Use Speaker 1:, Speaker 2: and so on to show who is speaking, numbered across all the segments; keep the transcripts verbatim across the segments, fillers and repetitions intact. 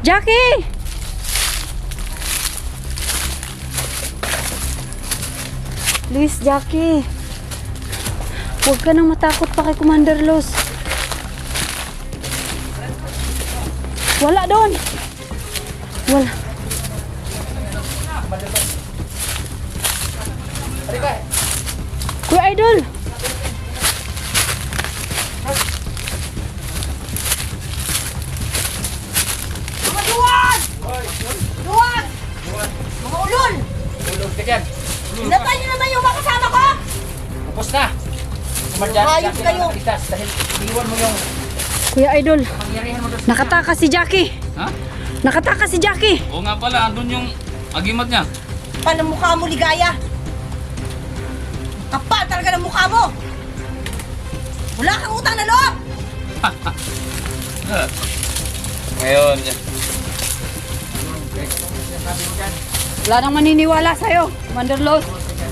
Speaker 1: Jackie! Please, Jackie. Huwag ka nang matakot pa kay Commander Los. Wala doon. Wala. Kuya Idol.
Speaker 2: Mga duwag! Duwag! Mga ulol!
Speaker 3: Ulog ka dyan.
Speaker 2: Hinatay niyo naman yung mga kasama ko!
Speaker 3: Tapos na. Kumadyan.
Speaker 2: Ayos kayo.
Speaker 3: Dahil iwan mo yung
Speaker 1: Kuya Idol.
Speaker 3: pangyarihan mo doon.
Speaker 1: Nakatakas si Jackie.
Speaker 4: Ha?
Speaker 1: Nakatakas si Jackie.
Speaker 4: Oo nga pala, andun yung agimat niya.
Speaker 2: Paano mukha mo, ligaya? Kapal talaga ng mukha mo! Wala kang utang na loob!
Speaker 4: Ngayon, yan.
Speaker 1: Wala nang maniniwala sa'yo, Commander Los.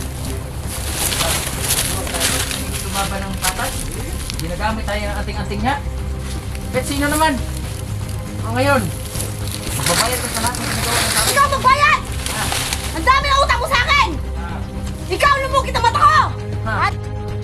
Speaker 3: Tumaba ng patas. Ginagamit tayo ng anting-anting niya. Bet sino naman? O ngayon, magbabayad ka sa lahat ng ginagawa ng tao.
Speaker 2: Ikaw magbayad! Ang dami ng utang mo sa akin! Ikaw lumukit ang mata ko!
Speaker 3: Ha?
Speaker 2: At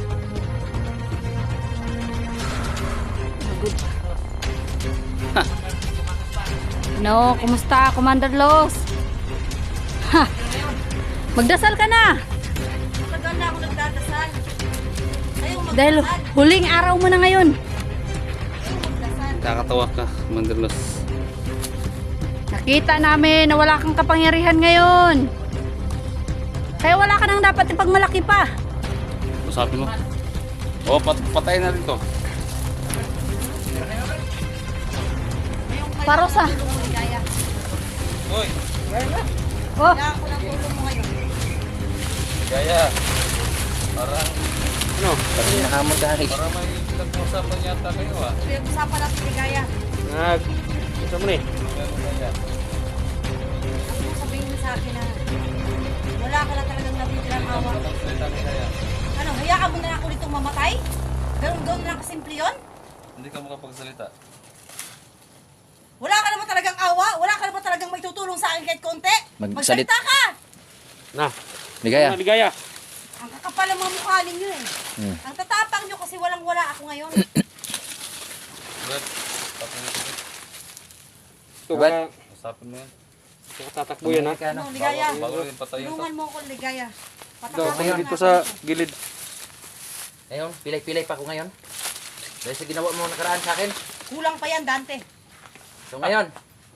Speaker 1: No, kumusta, Commander Los? Ha! Magdasal ka na!
Speaker 2: tagal na ako nagdadasal. Ayaw magdasal.
Speaker 1: Dahil huling araw mo na ngayon.
Speaker 2: Ayaw magdasal.
Speaker 4: Kakatawa ka, Mandalos.
Speaker 1: Nakita namin na wala kang kapangyarihan ngayon. Kaya wala ka nang dapat ipagmalaki pa.
Speaker 4: Usapin mo. Oo, pat patay na rin to.
Speaker 1: Parosa.
Speaker 2: Ligaya.
Speaker 4: Uy,
Speaker 1: Oh,
Speaker 2: Kailangan ko ng tulong mo ngayon.
Speaker 4: Gaya. Parang,
Speaker 3: Ano? Parang nahamon ka rin.
Speaker 4: parang may pinag-usapan yata kayo ah.
Speaker 2: Pinag-usapan natin ligaya.
Speaker 3: Nag... Ito mo eh.
Speaker 4: Pero kaya,
Speaker 2: Ano mo sabihin mo sa akin na wala ka na talagang natitirang awa?
Speaker 4: walang salita ni Gaya.
Speaker 2: Ano, hayaan mo na ako ditong mamatay? Ganun ganun lang kasimple yun?
Speaker 4: Hindi ka makapagsalita.
Speaker 2: Wala ka naman talagang awa? Wala ka naman talagang may tutulong sa akin kahit konti?
Speaker 3: Magsalit-
Speaker 2: Magsalita ka!
Speaker 3: Na. Ligaya. Ligaya.
Speaker 2: Ang kakapal ang mga mukha ninyo eh.
Speaker 3: Hmm.
Speaker 2: Ang tatapang nyo kasi walang wala ako ngayon.
Speaker 4: Brad, usapin mo ito.
Speaker 3: Tugat.
Speaker 4: Usapin mo yan.
Speaker 3: Tatakbo yan ha.
Speaker 2: Ano, ligaya?
Speaker 4: Bago rin patayin to.
Speaker 2: Tulungan mo ako, ligaya.
Speaker 3: Ito,
Speaker 2: Patakasan
Speaker 3: ako
Speaker 2: mo
Speaker 3: dito
Speaker 2: na
Speaker 3: sa
Speaker 2: ako.
Speaker 3: gilid.
Speaker 5: Ngayon, pilay-pilay pa ako ngayon. Dahil sa ginawa mo nakaraan sa akin.
Speaker 2: Kulang pa yan, Dante.
Speaker 5: So ngayon,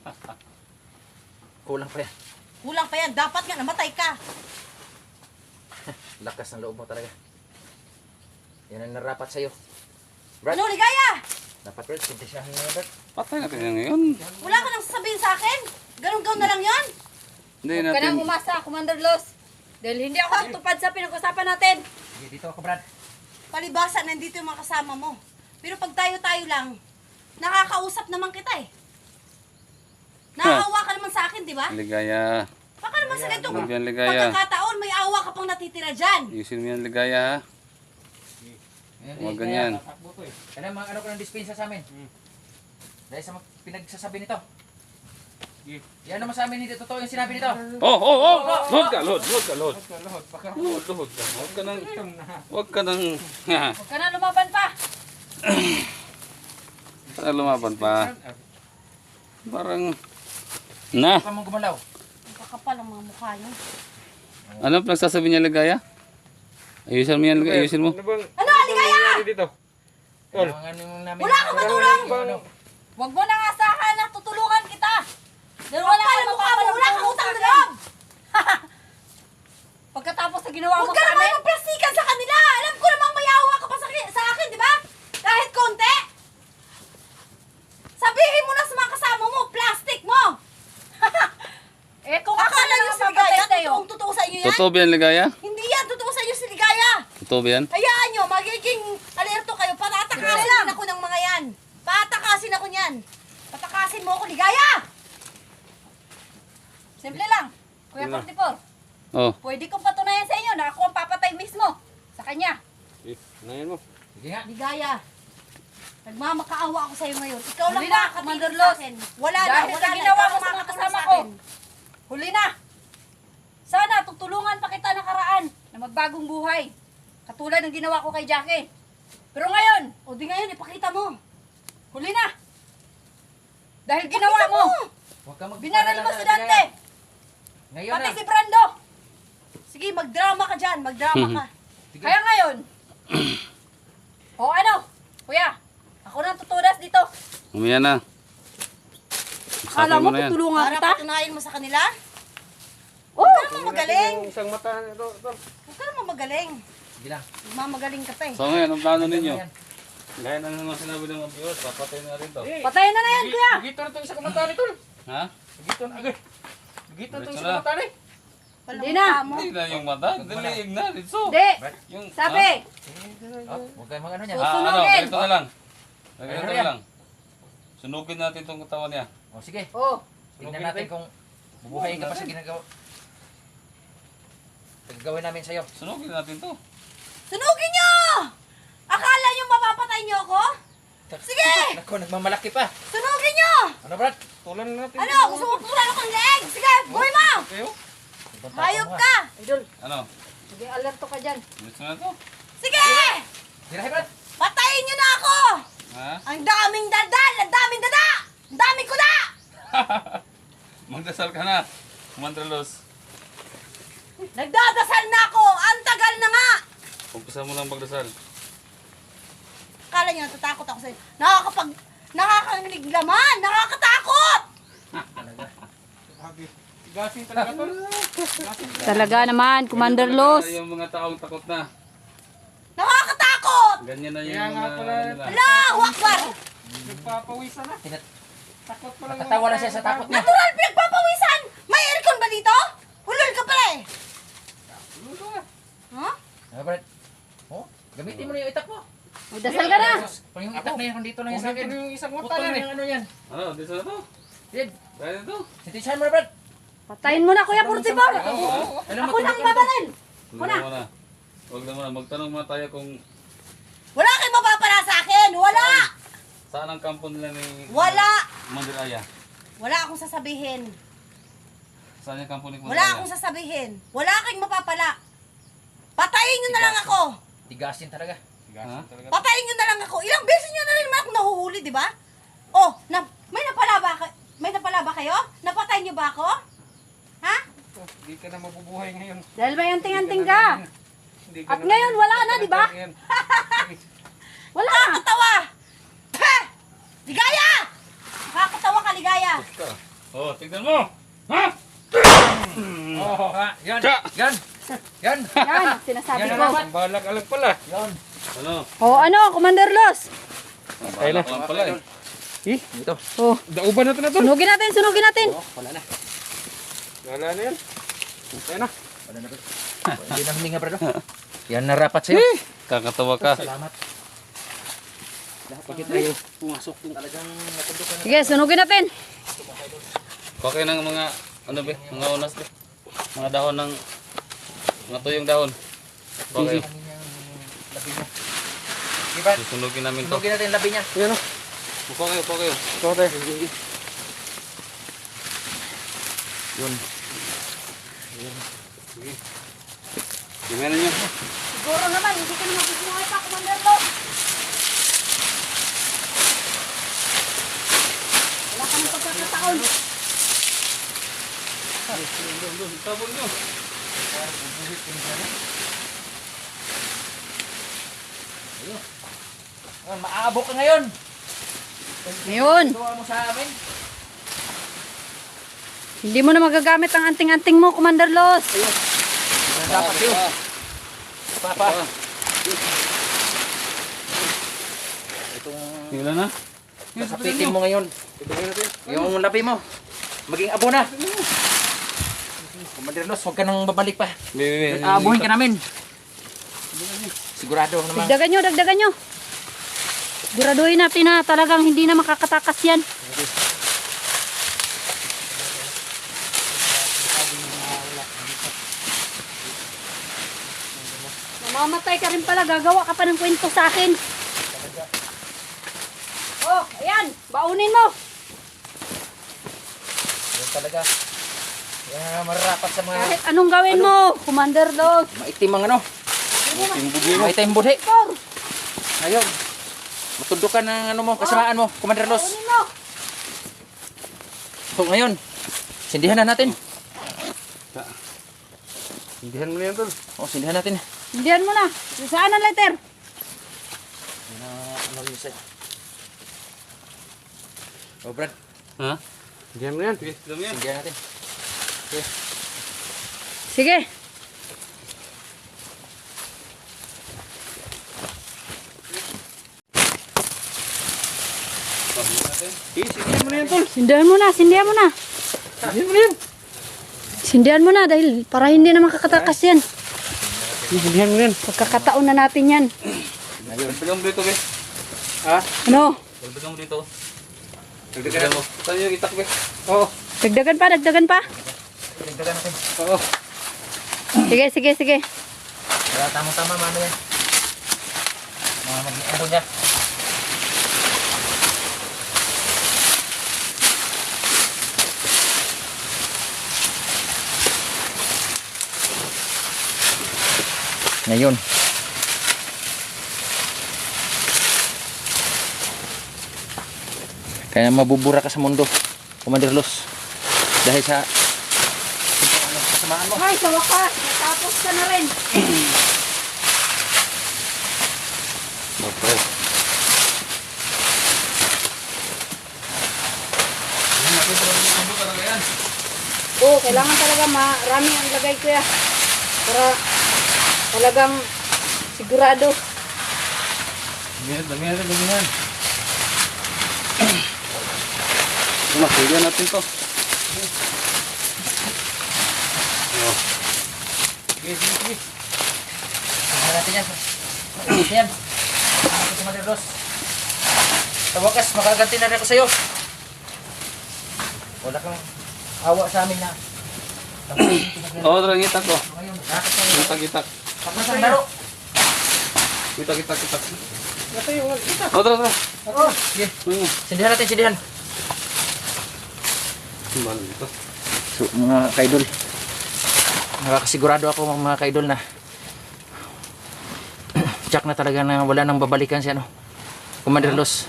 Speaker 5: kulang pa yan.
Speaker 2: Kulang pa yan. Dapat nga namatay ka.
Speaker 5: Lakas ng loob mo talaga. Yan ang narapat sa'yo. Brad,
Speaker 2: Ano, ligaya?
Speaker 5: dapat Brad, sintisyahan mo yan, Brad.
Speaker 4: Patay natin yan ngayon.
Speaker 2: Wala ka nang sasabihin sa akin? Ganun-ganun na lang yan?
Speaker 4: Hindi
Speaker 1: huwag ka
Speaker 4: natin.
Speaker 1: nang umasa, Commander Los. Dahil hindi ako tupad sa pinag-usapan natin.
Speaker 5: Sige, dito ako, Brad.
Speaker 2: Palibasa, nandito yung mga kasama mo. Pero pag tayo-tayo lang, nakakausap naman kita eh. Naawa ka naman sa akin, di ba?
Speaker 4: Ligaya.
Speaker 2: Baka naman sa ganitong
Speaker 4: Huwag yan, ligaya.
Speaker 2: pagkakataon, may awa ka pang natitira dyan.
Speaker 4: Ayusin mo yan, ligaya ha.
Speaker 5: Ayan,
Speaker 4: Huwag
Speaker 5: eh,
Speaker 4: ganyan.
Speaker 5: kaya tatakbo to eh. Kaya mga ano ko ng dispensa sa amin. Dahil sa mga pinagsasabi nito. Yan naman sa amin, hindi totoo yung sinabi nito.
Speaker 4: Oh, oh, oh! Load ka, load, load ka, load. Load, load ka. Huwag ka nang, huwag ka nang, ha,
Speaker 1: Huwag ka na lumaban pa.
Speaker 4: para lumaban pa. Parang, na,
Speaker 5: Huwag ka mong gumalaw.
Speaker 2: Ang kakapal ang mga mukha nyo.
Speaker 4: ano pinagsasabi niya, ligaya? Ayusin mo yan, ligaya, ayusin mo.
Speaker 2: Ano, aligaya?
Speaker 3: Dito.
Speaker 5: Kailangan yung namin.
Speaker 2: Wala akong matulong!
Speaker 5: Ano?
Speaker 1: Huwag mo nang asahan na tutulungan kita. Dahil
Speaker 2: Wala
Speaker 1: wala
Speaker 2: ka
Speaker 1: kang
Speaker 2: mukha mo, wala kang utang na loob!
Speaker 1: Pagkatapos sa ginawa mo
Speaker 2: Huwag ka
Speaker 1: sa
Speaker 2: naman
Speaker 1: amin.
Speaker 2: magplastikan sa kanila! Alam ko namang may awa ka pa sa, sa akin, di ba? Kahit konti! Sabihin mo na sa mga kasama mo, plastic mo!
Speaker 1: Eh kung ako
Speaker 2: Akala
Speaker 1: na
Speaker 2: nyo
Speaker 1: lang
Speaker 2: si Ligaya,
Speaker 1: mapapatay sa'yo.
Speaker 2: totoong totoo sa inyo yan?
Speaker 4: Totoo ba yan, ligaya?
Speaker 2: Hindi yan, totoo sa inyo si Ligaya!
Speaker 4: Totoo ba yan?
Speaker 2: Hayaan nyo, magiging alerto kayo, patatakasin ako ng mga yan! Patakasin ako niyan! Patakasin mo ako, Ligaya!
Speaker 1: Simple lang. Kuya forty-four,
Speaker 4: Oh,
Speaker 1: pwede kong patunayan sa inyo na ako ang papatay mismo sa kanya.
Speaker 3: Eh, nayan mo.
Speaker 5: Sige nga.
Speaker 2: Ligaya, Nagmamakaawa ako sa'yo ngayon. Ikaw lang
Speaker 1: Huli na,
Speaker 2: makakatingin
Speaker 1: Commander
Speaker 2: sa
Speaker 1: Los.
Speaker 2: akin. Wala na,
Speaker 1: Dahil
Speaker 2: wala
Speaker 1: sa
Speaker 2: na.
Speaker 1: ginawa
Speaker 2: Ikaw
Speaker 1: mo
Speaker 2: ang
Speaker 1: sa mga
Speaker 2: makakatulong
Speaker 1: kasama
Speaker 2: sa
Speaker 1: ko.
Speaker 2: akin.
Speaker 1: Huli na. Sana tutulungan pa kita nakaraan na magbagong buhay. Katulad ng ginawa ko kay Jackie. Pero ngayon,
Speaker 2: O di ngayon, ipakita mo.
Speaker 1: huli na. Dahil ginawa mo,
Speaker 5: Huwag ka mag-
Speaker 1: binaril mo si Dante,
Speaker 5: Ngayon
Speaker 1: pati
Speaker 5: na.
Speaker 1: si Brando.
Speaker 2: Sige, magdrama ka dyan. Magdrama ka.
Speaker 5: Sige.
Speaker 1: Kaya ngayon, o ano, kuya, ako nang tutudas dito.
Speaker 4: Umaya na.
Speaker 1: Akala
Speaker 4: Sakay
Speaker 1: mo
Speaker 4: na yan.
Speaker 1: tutulungan
Speaker 2: Para
Speaker 1: kita?
Speaker 2: patunayan mo sa kanila.
Speaker 1: Oh,
Speaker 2: Huwag ka naman magaling.
Speaker 4: Isang mata nito.
Speaker 2: Huwag ka naman magaling.
Speaker 5: Sige lang.
Speaker 2: Mamagaling ka pa eh.
Speaker 4: So ngayon, ang plano ninyo?
Speaker 5: Yan.
Speaker 4: Gaya na naman sinabi ng mga viewers, papatay na rin to.
Speaker 1: patayin na na yan, kuya.
Speaker 5: Gito na itong isa kamatari, tol.
Speaker 4: Ha?
Speaker 5: Gito na, agad. Gito na itong
Speaker 4: Diretso
Speaker 5: isa
Speaker 4: na.
Speaker 5: kamatari.
Speaker 2: Walang
Speaker 1: Hindi na.
Speaker 2: mukha mo.
Speaker 4: Hindi na yung mata, dilig na. Dito.
Speaker 1: Hindi,
Speaker 4: Yung,
Speaker 1: sabi,
Speaker 5: Oh, huwag kayong mag ano niya.
Speaker 4: Ha? Ah, ano,
Speaker 1: Susunugin.
Speaker 4: ganito na lang. Ganito
Speaker 5: Ano
Speaker 4: na
Speaker 5: yan?
Speaker 4: lang. Sunugin natin itong katawan niya.
Speaker 5: Oh, sige.
Speaker 1: oh,
Speaker 5: Tingnan natin kung bubuhayin ka pa sa ginagawa. Gagawin namin sa'yo.
Speaker 4: Sunugin natin to.
Speaker 2: Sunugin nyo! Akala nyo mapapatay nyo ako? Sige!
Speaker 5: Naku, nagmamalaki pa.
Speaker 2: Sunugin nyo!
Speaker 5: Ano, Brad?
Speaker 4: Tulan natin.
Speaker 2: Ano? Gusto mo tulan ako ng leeg? Sige, buhay mo!
Speaker 4: Kayo?
Speaker 5: Ibang tao
Speaker 2: Hayop
Speaker 5: mo, ha?
Speaker 2: ka!
Speaker 1: idol,
Speaker 4: Ano?
Speaker 1: sige, alerto ka dyan.
Speaker 4: Gusto na to?
Speaker 2: Sige!
Speaker 5: Tirahin, Brad.
Speaker 2: Patayin nyo na ako!
Speaker 4: Ha?
Speaker 2: Ang daming dadal! Ang daming dada! Ang daming kuda!
Speaker 4: Magdasal ka na. Commander Los.
Speaker 2: Nagdadasal na ako! Ang tagal na nga!
Speaker 4: Umpisa mo lang magdasal.
Speaker 2: Akala nyo natatakot ako sa'yo. Nakakapag... Nakakanglig laman! Nakakatakot!
Speaker 4: Gasin talaga to.
Speaker 1: Talaga naman, Commander Los.
Speaker 4: Yung mga taong takot na.
Speaker 2: Nakakatakot!
Speaker 4: Ganyan na yung mga nila.
Speaker 2: Allahu Akbar!
Speaker 4: Nagpapawisan na.
Speaker 5: Tinat-
Speaker 4: Takot pa lang.
Speaker 5: Natatawa na siya sa takot niya.
Speaker 2: Natural pinagpapawisan! May aircon ba dito? Hulol ka pala eh! Ha?
Speaker 5: Ano, Brad? Oh, gamitin mo na yung itak mo.
Speaker 1: Magdasal ka na.
Speaker 5: Kung yung itak na yan, kung dito lang yan sa akin.
Speaker 4: yung isang
Speaker 5: Putol na yung ano yan.
Speaker 4: Ano? Dito na to?
Speaker 5: Yan.
Speaker 4: Kaya na to?
Speaker 5: Sintisahan mo na, Brad.
Speaker 1: Patayin mo na, Kuya forty-four.
Speaker 5: Alam mo,
Speaker 1: Ako nang
Speaker 5: tumakin to.
Speaker 1: babaril.
Speaker 4: Huwag na muna. Huwag na muna. Magtanong muna tayo kung
Speaker 2: Wala kayong mapapala sa akin! Wala!
Speaker 4: saan ang kampo nila ni
Speaker 2: Wala!
Speaker 4: Commander Aya.
Speaker 2: Wala akong sasabihin.
Speaker 4: Saan yung kampo ni Commander
Speaker 2: Wala
Speaker 4: Aya?
Speaker 2: akong sasabihin. Wala kayong mapapala. Patayin nyo na lang ako.
Speaker 5: Tigasin talaga.
Speaker 4: Ha?
Speaker 2: Patayin nyo na lang ako. Ilang beses nyo na rin naman ako nahuhuli, di ba? Oh, na, may napala ba, ka- may napala ba kayo? Napatay nyo ba ako? Ha?
Speaker 4: Hindi ka na mabubuhay ngayon.
Speaker 1: Dahil may anting-anting ka. At ngayon, wala na, di ba? Wala.
Speaker 2: Nakakatawa! Ha! Ligaya! Nakakatawa ka, ligaya.
Speaker 4: Oh, tignan mo! Ha?
Speaker 5: Oh, ha. Yan.
Speaker 4: Tsa!
Speaker 5: Yan. Yan.
Speaker 1: Yan, sinasabi
Speaker 5: Yan
Speaker 1: ko.
Speaker 5: na naman.
Speaker 4: Balag-alag pala.
Speaker 5: Yan.
Speaker 4: Ano?
Speaker 1: O ano, Commander Los?
Speaker 4: Balag lang pala eh.
Speaker 5: Eh, ito.
Speaker 1: Oh,
Speaker 4: Dauban na ito na to.
Speaker 1: sunugin natin, sunugin natin.
Speaker 5: Oh, wala na.
Speaker 4: Wala na yan. Kaya na.
Speaker 5: Wala na, Brad. Hindi na huminga, Brad. oh. Yan na rapat sa'yo.
Speaker 4: Kakatawa ka.
Speaker 5: Salamat. Bakit tayo pumasok yung talagang napundukan na.
Speaker 1: Sige, sunugin natin.
Speaker 4: Okay ng mga, ano ba, mga unas ba? Mga dahon ng, mga tuyong dahon. Okay.
Speaker 5: Namin yung labi mo. Sige, Brad.
Speaker 4: Susunugin namin to.
Speaker 5: Sunugin natin yung labi niya.
Speaker 4: Yan o. Upo kayo, upo kayo. Upo kayo.
Speaker 5: Yun.
Speaker 4: Gimana nyo?
Speaker 1: Siguro naman, hindi ka naman bubuhay pa, Commander Los. Wala ka ng pagkakataon.
Speaker 4: Tabon nyo.
Speaker 5: Ah, Maaabok ka ngayon.
Speaker 1: Ngayon,
Speaker 5: Tuwa mo sa amin.
Speaker 1: hindi mo na magagamit ang anting-anting mo, Commander Los.
Speaker 5: Yan dapat yun. Papa. Itong
Speaker 4: Ilan na?
Speaker 5: kapitin mo ngayon. Yung labi mo. Maging abo na. Commander Los, huwag ka nang babalik pa.
Speaker 4: Bebe, bebe.
Speaker 5: Aabuhin ka namin. Sigurado naman.
Speaker 1: Dagdagan nyo, dagdagan nyo. Siguraduhin natin na talagang hindi na makakatakas yan. Mamamatay ka rin pala, gagawa ka pa ng kwento sa akin. Baunin mo.
Speaker 5: Yan talaga. Yan mararapat sa mga
Speaker 1: Kahit anong gawin mo, Commander Los.
Speaker 5: maitim ang ano. Maitim budhi.
Speaker 1: Tor,
Speaker 5: Ngayon, matudukan ng ano mo, kasamaan mo, Commander Los.
Speaker 1: baunin mo.
Speaker 5: So ngayon, sindihan na natin.
Speaker 4: Hindihan mo na yan, tol.
Speaker 5: O, sindihan natin.
Speaker 1: Hindihan mo na. Saan ang letter?
Speaker 5: Na, ano rin sa'yo. O, Brad,
Speaker 4: Ha? Hindihan mo na yan. Sige, dami yan.
Speaker 5: sindihan natin. Okay.
Speaker 1: Sige.
Speaker 4: Eh, sindihan mo na yan, tol.
Speaker 1: Sindihan mo na, sindihan mo na.
Speaker 4: Hindihan mo na yan.
Speaker 1: Sindihan mo na dahil para hindi na makakatakas yan.
Speaker 4: Eh, Hindihan mo na yan.
Speaker 1: Pagkakataon na natin yan.
Speaker 4: Dagdagan mo dito, be.
Speaker 5: Ha?
Speaker 1: Ano?
Speaker 4: Dagdagan mo dito. Dagdagan mo. Saan yung itak, be?
Speaker 5: Oo.
Speaker 1: Dagdagan pa, dagdagan pa.
Speaker 5: Dagdagan natin.
Speaker 4: Oo.
Speaker 1: Sige, sige, sige.
Speaker 5: Kaya tamang-tama, mano yan. Mga mag-ano niya. Ngayon. Kaya mabubura ka sa mundo, Commander Los. Dahil sa kasamaan mo.
Speaker 1: Ay, sa wakas, natapos ka na rin.
Speaker 4: Okay. Yan, nakita rin yung mundo talaga yan.
Speaker 1: Oo, kailangan talaga marami ang lagay ko ya. Para talagang sigurado.
Speaker 4: Dami yan, dami yan, dami yan. Ano, pwede natin to. Oh.
Speaker 5: Sige, sige, sige. Tingnan natin yan. Makinis yan. Ako si Commander Los. Sa wakas, makaganti na rin ako sa'yo. Wala kang awa sa amin na.
Speaker 4: Oo, tara, itak ko.
Speaker 5: Ngayon, nakakit na yun.
Speaker 4: Itak, itak.
Speaker 5: Tapos ang laro.
Speaker 4: Itak, itak, itak. Oo, tara, tara.
Speaker 5: Oo. Sige,
Speaker 4: Hmm.
Speaker 5: sindihan natin, sindihan.
Speaker 4: Simbahan dito.
Speaker 5: So, mga kaidol, nakakasigurado ako mga kaidol na tsak na talaga na wala nang babalikan si ano, Commander Los.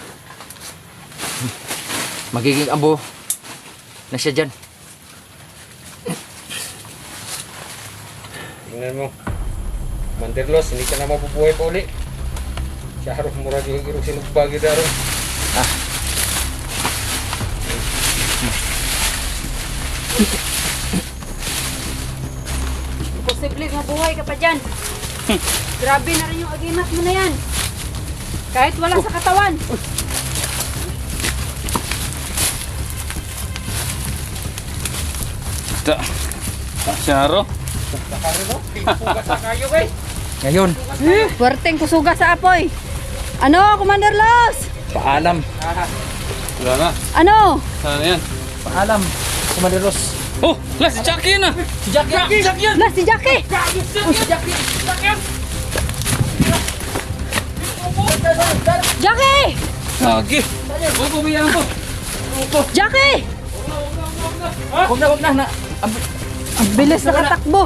Speaker 5: Magiging abo na siya dyan.
Speaker 3: Tingnan mo. Commander Los, hindi ka na mabubuhay pa uli. Siya harap murag yung irong sinugbagi daro.
Speaker 1: Posible mabuhay ka pa dyan. Grabe na rin yung agimat mo na yan. Kahit wala sa katawan.
Speaker 4: Ta. Syaro.
Speaker 3: Pugas na kayo kay.
Speaker 5: Ngayon,
Speaker 1: Puwerteng kusuga sa apoy. Ano, Commander Los?
Speaker 5: paalam,
Speaker 4: Wala na.
Speaker 1: Ano?
Speaker 4: Saan na yan?
Speaker 5: paalam, Commander Los.
Speaker 4: Oh, lah, si Jackie yun ah.
Speaker 5: Si Jackie!
Speaker 4: Si Jackie yan.
Speaker 1: Lah, si Jackie!
Speaker 5: Si Jackie!
Speaker 1: Jackie!
Speaker 4: Jackie. Oh, pumiyan ko.
Speaker 1: Jackie!
Speaker 5: Huwag na, huwag na, na.
Speaker 1: Ang bilis na katakbo.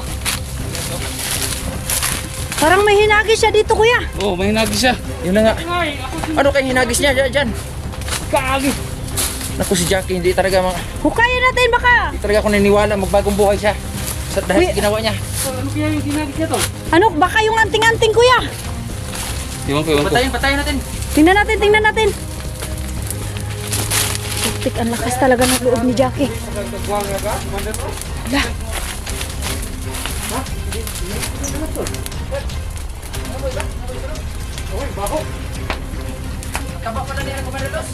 Speaker 1: Parang may hinagis siya dito, kuya.
Speaker 4: Oh, may hinagi siya.
Speaker 5: Yun na nga. Ano kayong hinagis niya dyan? dyan?
Speaker 4: Kagi.
Speaker 5: Naku, si Jackie, hindi talaga mga...
Speaker 1: Hukayin natin baka.
Speaker 5: Hindi talaga ako naniniwala magbagong buhay siya. Sa dahil
Speaker 1: Uy.
Speaker 5: ginawa niya.
Speaker 4: Ano kaya yung hinagi siya to?
Speaker 1: Ano, baka yung anting-anting, kuya.
Speaker 4: Iwan ko, iwan ko.
Speaker 5: Patayin, patayin natin.
Speaker 1: Tingnan natin, tingnan natin. Putik, ang lakas talaga ng loob ni Jackie. Hala.
Speaker 5: Kaba pala niya, Commander Los.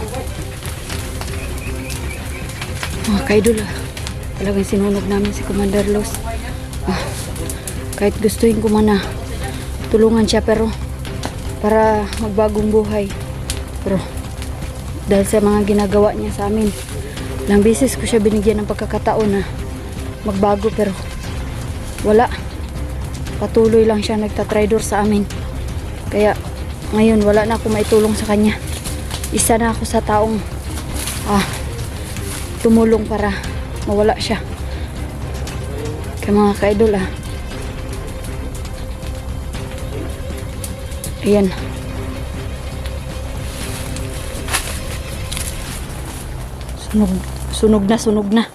Speaker 1: Mga kaidol, ah. Talagang sinunog namin si Commander Los. Ah, kahit gustuin ko man na tulungan siya pero para magbagong buhay. Pero dahil sa mga ginagawa niya sa amin, ilang beses ko siya binigyan ng pagkakataon na magbago pero wala. Patuloy lang siya nagtatraidor sa amin. Kaya ngayon wala na ako maitulong sa kanya. Isa na ako sa taong ah, tumulong para mawala siya. Kaya mga ka-idol ah. Ayan. Sunog, sunog na, sunog na.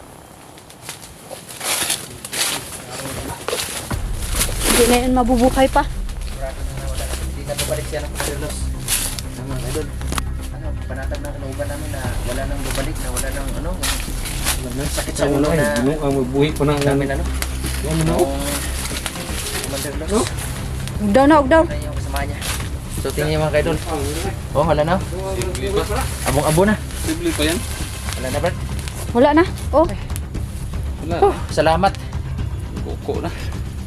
Speaker 1: Hindi na yun mabubuhay pa.
Speaker 5: Sigurado na wala. Hindi na babalik siya ng Commander Los. Tama, idol. Ano, panatag na kalooban namin na wala nang babalik, na wala nang ano, yung sakit sa ulo na
Speaker 3: ang magbuhi ko na
Speaker 5: namin ano.
Speaker 3: Ano mo?
Speaker 5: Yung Commander Los.
Speaker 1: Huwag daw na, huwag daw.
Speaker 5: Ano yung kasama niya. So, tingnan niyo mga kaidol. Oh, wala na.
Speaker 4: Simple pa.
Speaker 5: Abong-abo na.
Speaker 4: Simple pa yan.
Speaker 5: Wala na, Brad.
Speaker 1: Wala na. Oh,
Speaker 4: Wala.
Speaker 5: Salamat.
Speaker 4: Kuko na.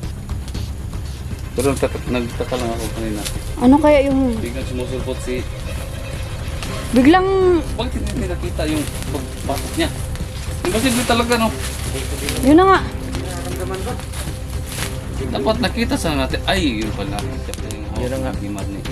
Speaker 4: Pero nagtaka, nagtaka lang ako kanina.
Speaker 1: ano kaya yung
Speaker 4: Biglang sumusulpot si...
Speaker 1: biglang,
Speaker 4: Bakit hindi nakita yung pagpasok niya? Imposible talaga, no?
Speaker 1: yun na nga.
Speaker 4: Dapat nakita sa natin. Ay, yun pala. Siya pala yung
Speaker 5: Yun na nga.
Speaker 4: himad ni.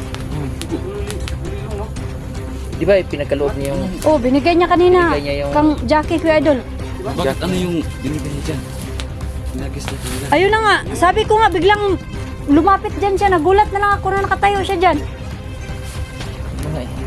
Speaker 5: Di ba, pinagkaloob niya yung...
Speaker 1: Oh, binigay niya kanina.
Speaker 5: Binigay niya yung-
Speaker 1: Kang Jackie, Kuya Idol.
Speaker 4: Bakit ano yung binigay niya dyan? Pinagis na kanila.
Speaker 1: Ayun na nga. Sabi ko nga, biglang lumapit dyan siya. Nagulat na lang ako na nakatayo siya dyan.
Speaker 5: Ano nga eh.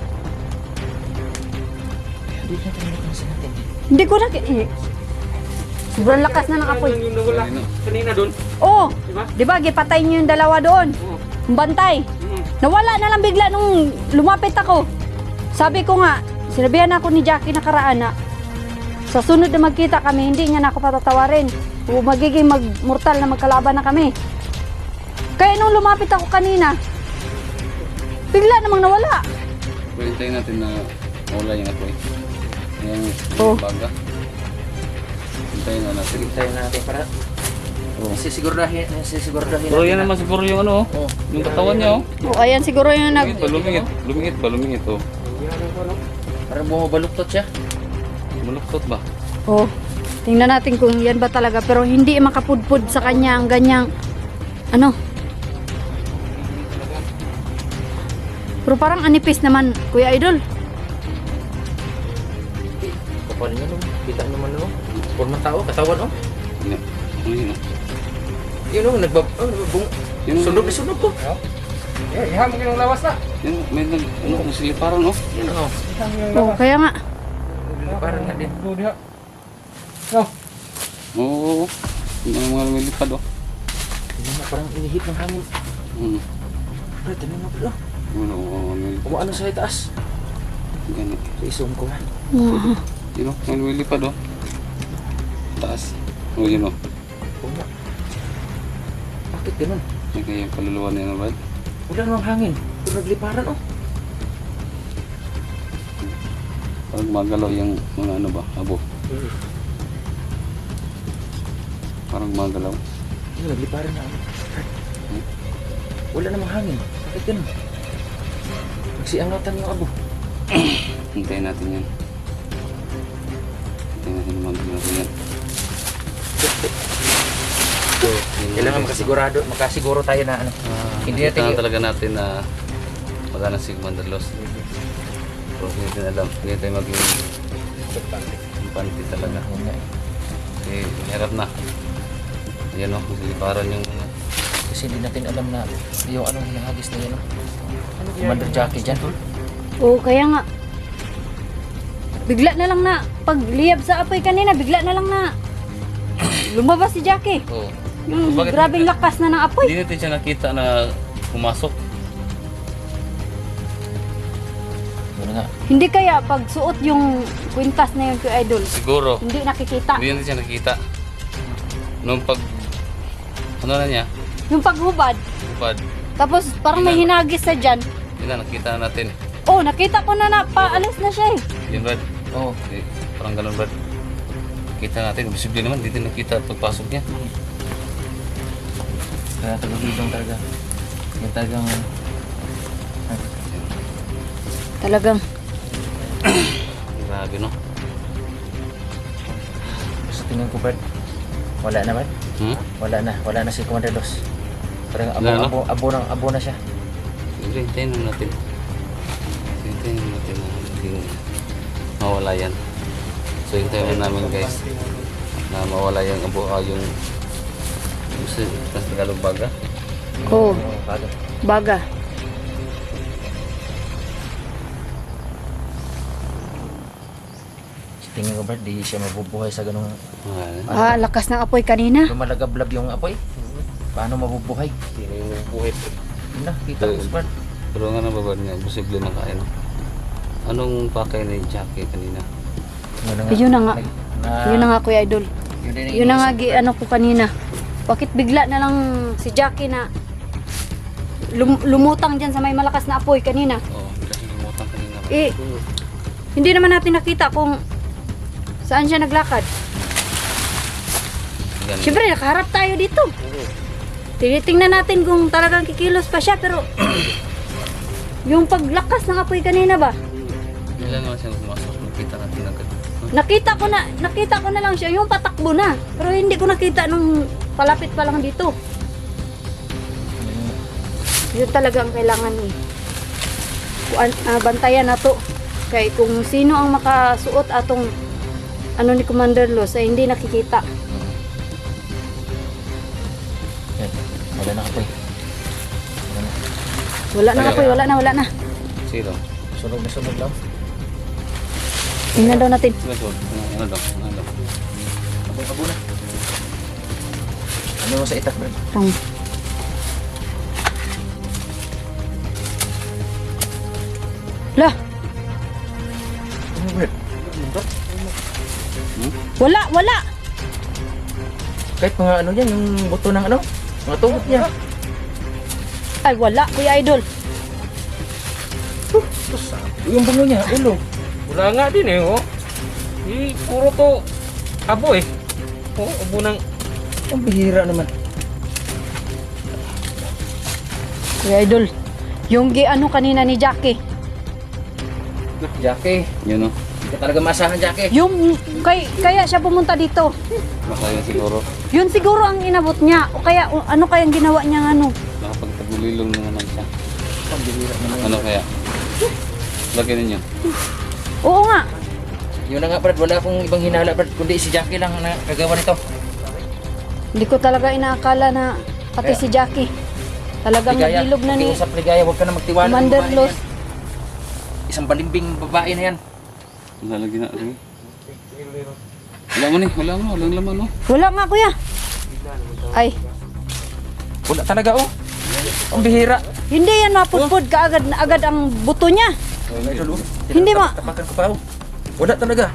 Speaker 5: Hindi na tayo nakansin natin.
Speaker 1: Hindi ko na... Eh, sobrang lakas na ng apoy.
Speaker 3: Yung nawala
Speaker 4: Kanina.
Speaker 3: kanina doon.
Speaker 1: Oo.
Speaker 3: Diba?
Speaker 1: Di ba, gipatay niyo yung dalawa doon.
Speaker 3: Oo.
Speaker 1: Yung bantay.
Speaker 3: Mm.
Speaker 1: Nawala na lang bigla nung lumapit ako. Sabi ko nga, sinabihan ako ni Jackie nakaraan na sa sunod na magkita kami, hindi niya na ako patatawarin. O magiging magmortal na magkalaban na kami. Kaya nung lumapit ako kanina, bigla namang nawala.
Speaker 4: Pero hintayin natin na mawala yung apoy. Yung
Speaker 1: Oh.
Speaker 4: baga. Hintayin na natin.
Speaker 5: Tayo natin para...
Speaker 4: Oh.
Speaker 5: Sisigurahin, sisigurahin
Speaker 4: Pero yan naman siguro yung ano,
Speaker 5: Oh.
Speaker 4: yung katawan niya, oh.
Speaker 1: O ayan siguro yung nag...
Speaker 4: Lumingit ba, lumingit, lumingit ba, lumingit, oh.
Speaker 5: Parang bumabaluktot siya.
Speaker 4: Maluktot ba?
Speaker 1: Oh, tingnan natin kung yan ba talaga. Pero hindi makapudpud sa kanya ang ganyang... Ano? Pero parang anipis naman, Kuya Idol.
Speaker 5: Kapal niya no. Kita naman no. Forma tao, katawan oh.
Speaker 4: Ano ano yun, oh?
Speaker 5: Yun oh, nagbab... Oh, nagbabung...
Speaker 4: Yun, oh.
Speaker 5: Sunog na sunog ko.
Speaker 3: Eh, iham mo yung lawas na.
Speaker 4: Yun, may nag, ano, kung siliparan, oh.
Speaker 5: Yun oh.
Speaker 1: Oh, kaya nga.
Speaker 5: Parang nga din.
Speaker 3: Doon diha. No.
Speaker 4: Oo, yung mga mga lumilipad, oh.
Speaker 5: Tingnan mo, parang inihit ng hangin.
Speaker 4: Hmm.
Speaker 5: Bro, tingnan mo bro.
Speaker 4: Ano, oh, may
Speaker 5: Kumaano sa itaas.
Speaker 4: ganit.
Speaker 5: So, i-zoom ko nga.
Speaker 1: Ah,
Speaker 4: Yun, oh, may lumilipad, oh. Taas. Oh, yun, oh.
Speaker 5: Kuma. Bakit ganun?
Speaker 4: May kaya yung kaluluwa niya na, Brad.
Speaker 5: Wala namang hangin. Pero nagliparan oh.
Speaker 4: Parang magalaw yung mga ano ba, abo. Parang magalaw.
Speaker 5: Yun, nagliparan na ano. Wala namang hangin. Bakit ganun? Nagsiangatan yung abo.
Speaker 4: Hintayin natin yan. Hintayin natin naman natin yan.
Speaker 5: Kailangan makasigurado, makasiguro tayo na ano. Hindi
Speaker 4: Nakita
Speaker 5: natin
Speaker 4: na
Speaker 5: y-
Speaker 4: talaga natin na magana si Commander Los. Pero hindi natin alam. Hindi tayo maging impante talaga.
Speaker 5: Yun nga eh.
Speaker 4: Kasi hirap na. Ayan o, siliparan yung
Speaker 5: Kasi hindi natin alam na yung anong hinahagis na yun. Oh. Commander Jackie dyan.
Speaker 1: oh, kaya nga. Bigla na lang na, pagliyab sa apoy kanina, bigla na lang na lumabas si Jackie.
Speaker 4: oh,
Speaker 1: Yung
Speaker 4: Bakit-
Speaker 1: grabing lakas na ng apoy.
Speaker 4: hindi natin siya nakita na pumasok.
Speaker 5: Yun nga.
Speaker 1: Hindi kaya pag suot yung kwintas na yun kay Idol,
Speaker 4: Siguro.
Speaker 1: hindi nakikita.
Speaker 4: Hindi natin siya nakita. Nung pag... Ano na niya?
Speaker 1: Yung paghubad,
Speaker 4: Upad.
Speaker 1: tapos parang may hinagis sa dyan.
Speaker 4: Yun na, nakita na natin.
Speaker 1: Oh, nakita ko na na, paalis na siya eh.
Speaker 4: Yun, Brad.
Speaker 5: Oo. Oh,
Speaker 4: Eh, parang ganun, Brad. Kita natin. Visible naman. Dito nakita pagpasok niya.
Speaker 5: kaya tagabidong talaga. Yung talagang...
Speaker 1: Talagang,
Speaker 4: Grabe, no?
Speaker 5: Sa tingin ko, Brad, wala na, Brad.
Speaker 4: Hmm?
Speaker 5: Wala na. Wala na si Commander Los. Parang abo,
Speaker 4: Wala na?
Speaker 5: abo, abo, ng, abo na siya.
Speaker 4: Siyempre, hintayin naman natin. Hintayin naman natin na maging mawala yan. So hintayin mo namin guys na mawala yung abo ah, yung yung sa sa Tagalog baga.
Speaker 1: Oo,
Speaker 5: Baga.
Speaker 1: baga.
Speaker 5: Tingin ko, Brad, di siya mabubuhay sa ganung
Speaker 4: Ah,
Speaker 1: Ah, lakas ng apoy kanina.
Speaker 5: lumalagablab yung apoy. Paano mabubuhay?
Speaker 4: hindi na yung buhay.
Speaker 5: Yun na, kita ko, Brad.
Speaker 4: Pero nga nababad nga, posible na kaya no? Anong pakay ni Jackie kanina?
Speaker 1: Yun na nga.
Speaker 5: Na,
Speaker 1: Yun na nga, Kuya Idol.
Speaker 5: Yun, din ang
Speaker 1: Yun na nga,
Speaker 5: iniisip
Speaker 1: gi, ano ko kanina. Bakit bigla na lang si Jackie na lum- lumutang dyan sa may malakas na apoy kanina?
Speaker 4: Oo, oh, kasi lumutang kanina.
Speaker 1: Eh, hindi naman natin nakita kung saan siya naglakad.
Speaker 4: Ganun.
Speaker 1: Siyempre, nakaharap tayo dito. Tinitingnan natin kung talagang kikilos pa siya, pero yung paglakas ng apoy kanina ba?
Speaker 4: Ilan naman siya pumasok, nakita natin agad.
Speaker 1: Nakita ko na, nakita ko na lang siya, yung patakbo na. Pero hindi ko nakita nung palapit pa lang dito. Yun talaga ang kailangan eh. Kuan- ah, bantayan na to. Kaya kung sino ang makasuot atong ano ni Commander Los ay hindi nakikita.
Speaker 5: Yan, wala na apoy. Wala na.
Speaker 1: Wala na apoy, wala na, wala na.
Speaker 4: Sino?
Speaker 5: Sunog na sunog lang.
Speaker 1: Tingnan daw natin.
Speaker 4: Sino to? Ano, ano daw? Ano daw?
Speaker 5: Apoy pa muna. Ano mo sa itak, Brad?
Speaker 1: Ang La,
Speaker 5: Ano, Brad?
Speaker 1: wala, wala.
Speaker 5: Kahit mga ano yan, yung buto ng ano, mga tuhod niya.
Speaker 1: Ay, wala, Kuya Idol.
Speaker 5: Yung bungo niya, ulo.
Speaker 3: Wala nga din eh, oh. Eh, puro to abo eh. Oh, abo ng...
Speaker 5: Ang bihira naman.
Speaker 1: Kuya Idol, yung gi ano kanina ni Jackie,
Speaker 5: Jackie,
Speaker 4: Yun o.
Speaker 5: hindi ka talaga maasahan, Jackie.
Speaker 1: yung kay, kaya siya pumunta dito.
Speaker 4: Baka yun siguro.
Speaker 1: Yun siguro ang inabot niya. O kaya, o, ano kayang ginawa niya ano?
Speaker 4: Nakapagtagulilong na naman siya.
Speaker 5: Ang bihira naman.
Speaker 4: Ano kaya? Lagyan ninyo.
Speaker 1: Oo nga.
Speaker 5: Yun na nga, Brad, wala akong ibang hinala, Brad, kundi si Jackie lang na kagawa nito.
Speaker 1: Hindi ko talaga inaakala na pati
Speaker 5: Kaya-
Speaker 1: si Jackie. Talagang
Speaker 5: Ligaya,
Speaker 1: nagilog na ni
Speaker 5: pakiusap, Ligaya, huwag ka na magtiwala. ng
Speaker 1: Commander
Speaker 5: babae na
Speaker 1: Los.
Speaker 5: yan. Isang balimbing babae na yan.
Speaker 4: Lalagyan na rin. Wala mo ni, wala mo, walang laman no.
Speaker 1: Wala nga, kuya. Ay,
Speaker 5: Wala talaga, oh. Ang bihira.
Speaker 1: hindi yan mapudpud kaagad na agad ang buto niya.
Speaker 5: Idol, oh.
Speaker 1: Hindi ma-
Speaker 5: Tapakan ko pa, oh. Wala talaga.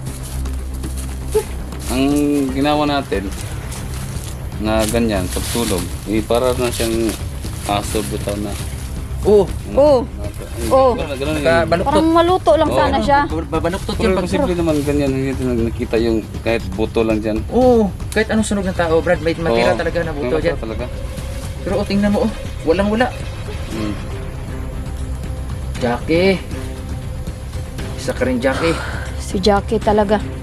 Speaker 4: Ang ginawa natin na ganyan, pagtulog, eh, para na siyang aso bitaw na.
Speaker 5: Oo.
Speaker 1: Oo. Oo.
Speaker 4: Ganun, ganun yun.
Speaker 5: Nakabaluktot.
Speaker 1: Parang maluto lang
Speaker 4: Oo.
Speaker 1: sana siya.
Speaker 5: Babaluktot
Speaker 4: Pero
Speaker 5: yan pag...
Speaker 4: posible naman ganyan, hindi natin nakita yung kahit buto lang dyan.
Speaker 5: Oo. Kahit anong sunog ng tao, Brad, may matira
Speaker 4: Oo.
Speaker 5: talaga na buto
Speaker 4: Oo,
Speaker 5: dyan.
Speaker 4: talaga.
Speaker 5: Pero oh, tingnan mo, oh. Walang wala.
Speaker 4: Hmm.
Speaker 5: Jackie. Isa ka rin, Jackie.
Speaker 1: Si Jackie talaga.